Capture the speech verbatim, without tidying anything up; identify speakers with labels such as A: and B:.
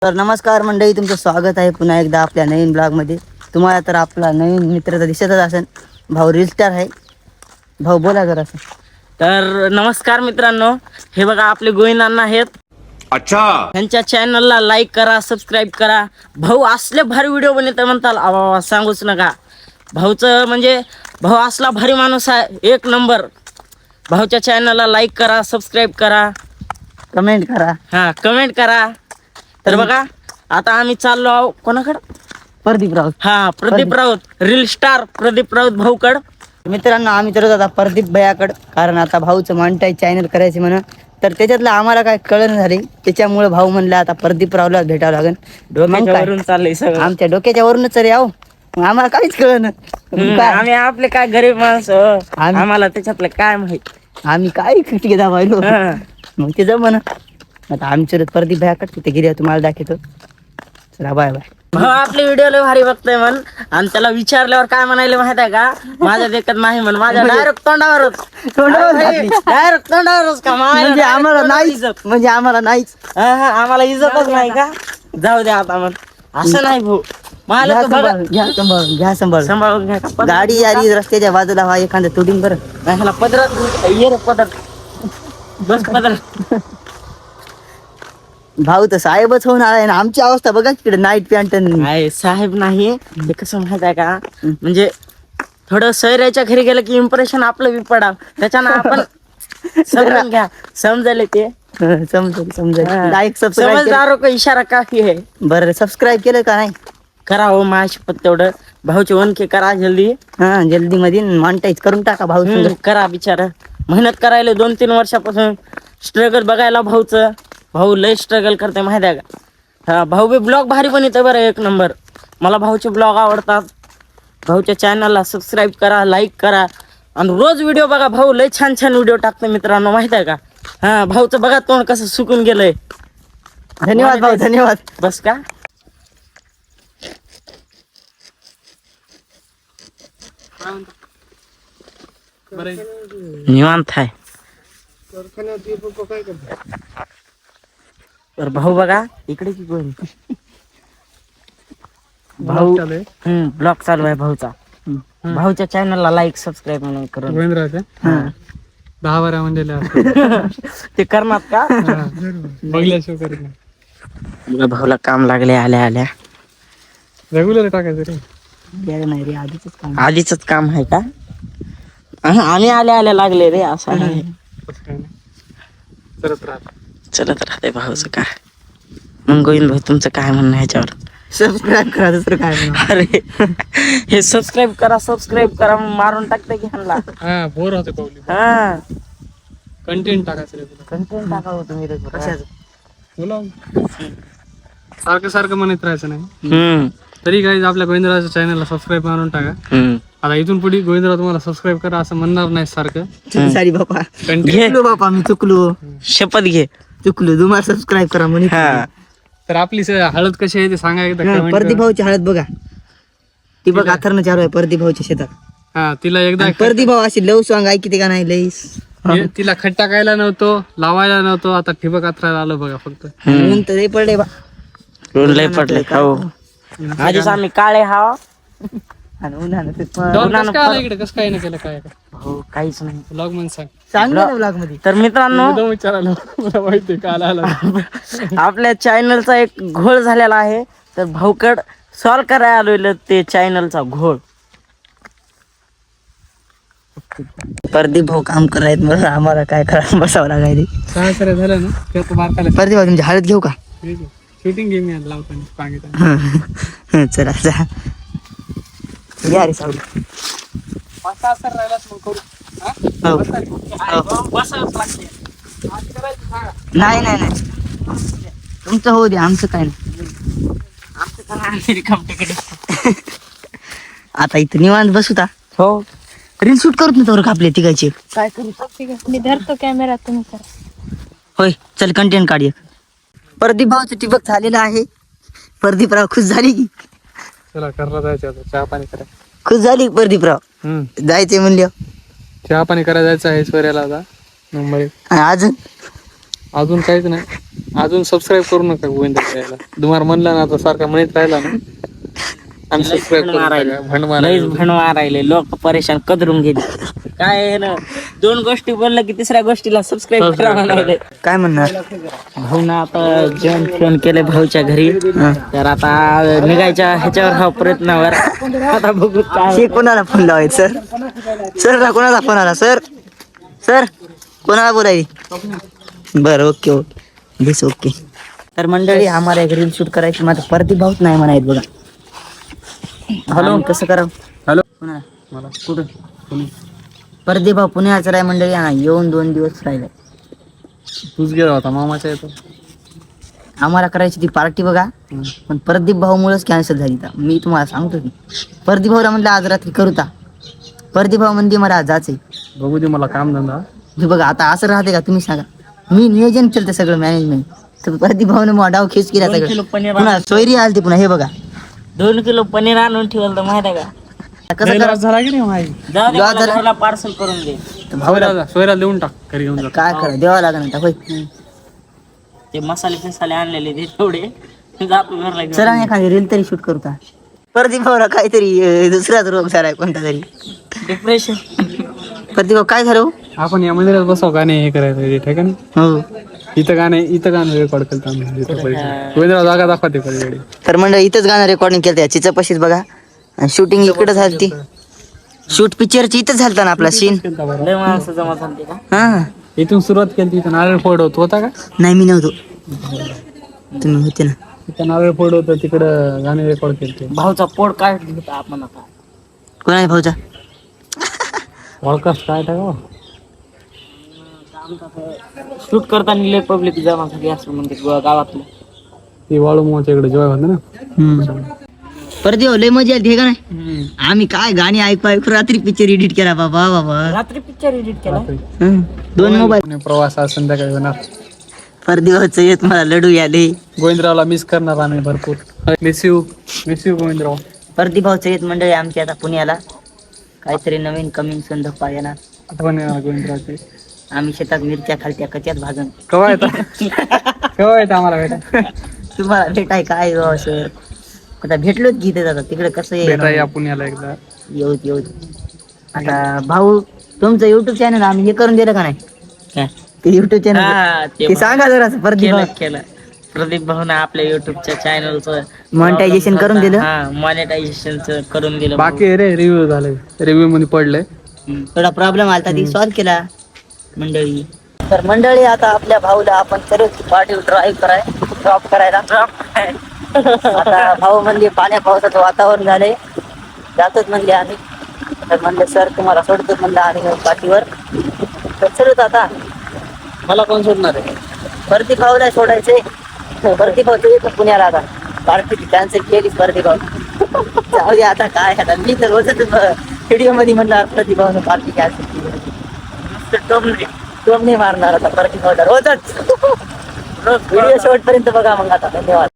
A: तर नमस्कार मंडळी, तुमचं स्वागत आहे पुन्हा एकदा आपल्या नवीन ब्लॉगमध्ये. तुम्हाला तर आपला नवीन मित्र तर दिसतच असेल, भाऊ रील स्टार आहे. भाऊ बोला जरा.
B: तर नमस्कार मित्रांनो, हे बघा आपले गोविंदांना आहेत.
C: अच्छा,
B: त्यांच्या चॅनलला लाईक करा, सबस्क्राईब करा. भाऊ असले भारी व्हिडिओ बनवतात म्हणताल, आवा सांगूच नका. भाऊचं म्हणजे भाऊ असला भारी माणूस आहे, एक नंबर. भाऊच्या चॅनलला लाईक करा, सबस्क्राईब करा,
A: कमेंट करा,
B: हां कमेंट करा. तर बघा आता आम्ही चाललो आहो कोणाकडं,
A: प्रदीप राऊत.
B: हा प्रदीप राऊत, रील स्टार प्रदीप राऊत भाऊकड.
A: मित्रांनो आम्ही तर आता प्रदीप भैयाकडं, कारण आता भाऊचं मॉनिटाईज चॅनल करायचे म्हणा. तर त्याच्यातलं आम्हाला काय कळण झाले, त्याच्यामुळे भाऊ म्हणला आता प्रदीप रावला भेटावं लागेल.
B: डोक्यावरून चाललंय सगळं,
A: आमच्या डोक्याच्या वरूनच रे आहो, आम्हाला काहीच कळण.
B: आम्ही आपले काय गरीब माणसं, आम्हाला त्याच्यातलं काय माहित.
A: आम्ही काय खिटके दाबायलो, मग ते जमन. आता आमच्या प्रदीप भैयाकडे तिथे गिर्या तुम्हाला दाखवतो. चला बाय बाय.
B: भाऊ आपले व्हिडिओ लय भारी बघतोय म्हण, आणि त्याला विचारल्यावर काय म्हणायला माहित आहे का, माझ्या देखत नाही म्हण, माझ्या डायरेक्ट तोंडावरच डायरेक्ट तोंडावरच का,
A: म्हणजे आम्हाला नाहीच, म्हणजे आम्हाला नाहीच,
B: आम्हाला इज्जतच नाही का. जाऊ द्या आता मग, असं नाही भाऊ. मला
A: घ्या सांभाळून, घ्या सांभाळून, घ्या सांभाळून.
B: सांभाळून घ्या.
A: गाडी आली रस्त्याच्या बाजूला, व्हा एखादं तुडीन बरं.
B: ह्याला पदरात ये रे, पदर बस पदर.
A: भाऊ तर साहेबच होऊन आलाय ना. आमची अवस्था बघा तिकडे, नाईट पॅन्ट.
B: नाही साहेब नाही, ते कसं माहित आहे का, म्हणजे थोडं सैराच्या घरी गेलं की इम्प्रेशन आपलं बी पडा, त्याच्यानं आपण समजून घ्या. समजले ते
A: समजेल समजेल. लाईक
B: समजदारों का इशारा काफी है.
A: बरं सबस्क्राईब केलं का नाही?
B: करा हो माझ्याशपथ तेवढं. भाऊचे वनके करा जल्दी,
A: हा जल्दी मध्ये मॉनिटाईज करून टाका भाऊ.
B: हम्म, करा बिचारा. मेहनत करायला दोन तीन वर्षापासून स्ट्रगल बघायला भाऊचं. भाऊ लय स्ट्रगल करते माहिती आहे का. हा भाऊ बी ब्लॉग भारी बनवते बरं, एक नंबर. मला भाऊचे ब्लॉग आवडतात. भाऊच्या चॅनलला सबस्क्राईब करा, लाईक करा, आणि रोज व्हिडिओ बघा. भाऊ लय छान छान व्हिडिओ टाकते मित्रांनो, माहित आहे का. हा भाऊचं बघा तोंड कसं सुकून गेलंय.
A: धन्यवाद भाऊ, धन्यवाद.
B: बस का. निवांत आहे. तर भाऊ बघा इकडे की कोण भाऊ, हम्म ब्लॉग चालू आहे भाऊचा. भाऊच्या चॅनलला लाईक सबस्क्राईब म्हणून करून
D: दहा बारा म्हणजे
B: ते करणार का. भाऊला काम लागले आल्या आल्या.
D: रेग्युलर टाकायचं रे.
A: नाही रे, आधीच काम.
B: आधीच काम आहे का. आम्ही आल्या आल्या लागले रे, असं आहे. चलत राहते भाऊचं काय. मग गोविंद भाऊ तुमचं काय म्हणणं ह्याच्यावर.
A: सबस्क्राईब करा, दुसरं काय म्हणा.
B: अरे हे सबस्क्राईब करा, सबस्क्राईब करा, मारून टाकते की ह्यांना.
D: हा बोर होते पावली.
B: हा
D: कंटेंट टाकायचं रे.
B: कंटेंट टाकावं तुम्ही रे.
D: बोला सारखं सारखं म्हणत राहायचं नाही.
B: हम्म
D: तरी काही आपल्या गोविंदरावच्या चॅनलला सबस्क्राईब मारून टाका.
B: हम्म
D: आता इथून पुढे गोविंदराव तुम्हाला सबस्क्राईब करा असं म्हणणार नाही सारखं.
A: सॉरी बापा,
B: घे
A: चुकलो बापा, मी चुकलो
B: शपथ घे.
A: चुकलो. तुम्हाला सबस्क्राईब करा म्हणे.
B: हा
D: तर आपली स- हळद कशी आहे ते सांगा एकदा comment
A: प्रदीप
D: करा.
A: भाऊची हळद बघा, ती बघ अथर्न चालू आहे प्रदीप भाऊच्या शेतात.
D: हा तिला एकदा
A: प्रदीप भाऊ अशी लव सॉंग ऐकते का नाही लईस.
D: हे- तिला खट टाकायला नव्हतो, लावायला नव्हतो, आता ठिबक अथरायला आलं बघा फक्त.
A: नंतर हे पडले बा.
B: लय पडले हो. आधीच आम्ही काळे हाव.
A: आणि उन्हानं ते प-
D: डॉन कसं काय आलं इकडे, कसं काय नाही केलं काय
B: हो काहीच नाही.
D: ब्लॉग म्हणून सांग.
A: सांग ना ब्लॉग मध्ये.
B: तर मित्रांनो
D: एकदम विचारायला मला माहिती काल आला.
B: आपल्या चॅनलचा एक घोळ झालेला आहे, तर भाऊकड सॉल्व करायला आलेलं ते चॅनलचा घोळ.
A: प्रदीप भाऊ काम करायत, मग आम्हाला काय करा बसावं लागायचे.
D: सहा सर झालं ना ते आता मार्काला
A: प्रदीप भाऊ तुमची हळद घेऊ का.
D: शूटिंग गेम यायला लावताना सांगितलं.
A: हं, चला जा या रे सावली.
D: पाच सहा सर राहिलाच मग करू. हा?
A: हो.
B: बसावंच लागते.
A: नाही नाही नाही, तुमचं होऊ दे, आमचं काय नाही.
B: आमचं तर आम्ही रिकाम तिकडे.
A: आता इथं निवांत बसूता.
B: हो
A: रील शूट करत नाही तर आपले तिघायचे.
B: काय करू.
E: मी धरतो कॅमेरा, तुम्ही करा.
A: होय चल कंटेंट काढूया. प्रदीप भाऊचं टिबक झालेलं आहे. प्रदीपराव खुश झाली की.
D: चला करला जायचं आता, चहा पाणी करा.
A: खुश झाली की प्रदीपराव.
D: हम्म
A: जायचंय म्हणलं.
D: चहा पाणी करायला जायचं आहे ऐश्वर्याला आता मुंबई.
A: अजून
D: अजून काहीच नाही. अजून सबस्क्राईब करू नका गोविंदा यायला. तुम्हाला म्हणलं ना आता सारखा म्हणत राहिला ना अनसबस्क्राईब करू नका. भंड
B: लईच
D: मारायला
B: भण मारायले लोक परेशान कदरून गेले. काय आहे ना दोन गोष्टी बोललं की तिसऱ्या गोष्टीला सबस्क्राईब करा म्हणाले.
A: काय म्हणणार?
B: भाऊ ना आता जेवण फोन केले भाऊच्या घरी. तर आता निघायच्या ह्याच्यावर हा प्रयत्नावर आता बघू काय
A: हे कोणाला फोन लावायचं सर? सर कोणाला फोन आला सर? सर कोणाला बोलायची? बरं ओके ओके दिस ओके. तर मंडळी आम्हाला एक रील शूट करायची माझं परती भाऊच नाही म्हणायत बघा. हॅलो कसं करा?
D: हॅलो
A: कोणाला?
D: मला कुठं कोणी
A: परदी भाऊ पुण्याचा आहे मंडळी. हा येऊन दोन दिवस राहिले.
D: तूच गेला होता मामाच्या येतो.
A: आम्हाला करायची ती पार्टी बघा पण प्रदीप भाऊमुळेच कॅन्सल झाली. तर मी तुम्हाला सांगतो की प्रदीप भाऊला म्हणलं आज रात्री करूता. प्रदीप भाऊ म्हणते मला आज जायचंय.
D: बघू दे मला काम धंदा.
A: हे बघा आता असं राहते का तुम्ही सांगा. मी नियोजन केलं सगळं मॅनेजमेंट तर प्रदीप भाऊने मग डाव खेच केला
B: दोन किलो
A: सगळं.
B: पनीर
A: पुन्हा सोयरी आली पुन्हा. हे बघा
B: दोन किलो पनीर आणून ठेवलं तर माहिती आहे का?
A: कसं करा
D: झाला की नाही माझी
B: जाऊ दे
A: जाऊ
B: मला
A: दे.
B: घराला पार्सल करून दे.
D: सोयरा सोयरा देऊन टाक घरी घेऊन जा.
A: काय करा द्यावं लागेल आता होय.
B: ते मसाले फिसाले आणलेले ते थोडे जातो घरला घेऊन.
A: चला एखादी रील तरी शूट करू का? प्रदीप भाऊला काहीतरी अं, दुसराच रोग झालाय कोणता तरी.
B: डिप्रेशन.
A: प्रदीप भाऊ काय झालं हो?
D: आपण या मंदिरात बसव गाणे हे करायचं ठीक आहे ना.
A: हो
D: इथं गाणे इथं गाणं रेकॉर्ड केलं आम्ही इथं पलीकडे. गोविंदराव जागा दाखवते पलीकडे.
A: तर मंडळी इथंच गाणं रेकॉर्डिंग केलं चिचा पशीच बघा. शूटिंग इकडे झाली. शूट पिक्चरची इथंच झालता ना आपला सीन.
B: लय माणसं जमा झाली का?
A: हा
D: इथून सुरुवात केली इथं नारळ फोड होत होता का?
A: नाही मी नव्हतो तुम्ही होते ना.
D: इथं नारळ फोड होतं तिकडं गाणे रेकॉर्ड केले.
B: भाऊचा पोट काय होता आपण आता
A: कोणा भाऊचा?
D: पॉडकास्ट काय टाका
B: शूट करताना लय पब्लिक जमा झाली असं म्हणते ग- गावातलं.
D: ती वाळू मोच्या इकडे जेवाय होतं ना.
A: परत येऊ लय मजा आली का नाही? आम्ही काय गाणी ऐकू ऐकू रात्री पिक्चर एडिट केला बाबा बाबा.
B: रात्री पिक्चर एडिट केला.
A: हं. दोन मोबाईल.
D: आणि प्रवास आज संध्याकाळी होणार.
A: परदिवाचं येत मला लडू याले.
D: गोविंदरावला मिस करणार आम्ही भरपूर. Miss you miss you Govindrao.
A: परदीभाऊचं येत मंडळी आमची आता पुण्याला काहीतरी नवीन कमिंग सण धप्पा येणार.
D: आठवण येणार गोविंदरावची.
A: आम्ही शेतात मिरच्या खालत्या कच्यात भाजून.
D: केव्हा येतं केव्हा येतं आम्हाला भेटा.
A: तुम्हाला भेटाय काय हो सर? आता भेटलोच की इथे जातात तिकडे कसं
D: भेटा
A: आहे
D: या पुण्याला एकदा.
A: येऊ येऊ. आता भाऊ तुमचं युट्यूब चॅनल आम्ही हे करून दिलं का नाही?
B: काय?
A: ते युट्यूब चॅनल
B: हा, ते
A: ते सांगा जरा परदीप
B: केलं केलं प्रदीप भाऊन आपल्या युट्यूबच्या चॅनलचं
A: Monetization करून दिलं?
B: हा मॉनिटायझेशनचं करून दिलं.
D: बाकी आहे रे रिव्ह्यू झाले. रिव्ह्यू मध्ये पडले.
B: हम्म.
A: थोडा प्रॉब्लेम आला ती सॉल्व्ह केला मंडळी. तर मंडळी आता आपल्या भाऊला आपण सर्व पार्टी ड्राईव्ह कराय ड्रॉप करायला आता भाऊ म्हणजे पाण्या पावसाचं वातावरण झालंय. जातच म्हणले आम्ही. तर म्हणले सर तुम्हाला सोडतो म्हणलं आम्ही पाठीवर. तर चलत आता
D: मला कोण सोडणार आहे?
A: परती भाऊला सोडायचे. परती भाऊ येतो पुण्याला आता. पार्टी कॅन्सल केली परती भाऊ. जाऊ दे आता काय आता मी तर रोजच व्हिडिओ मध्ये म्हणलं प्रतिभावनं पार्टी कॅन्सल केली. टोमणे टोमणे मारणार आता परती भाऊला रोजच. व्हिडिओ शेवटपर्यंत बघा मग आता. धन्यवाद.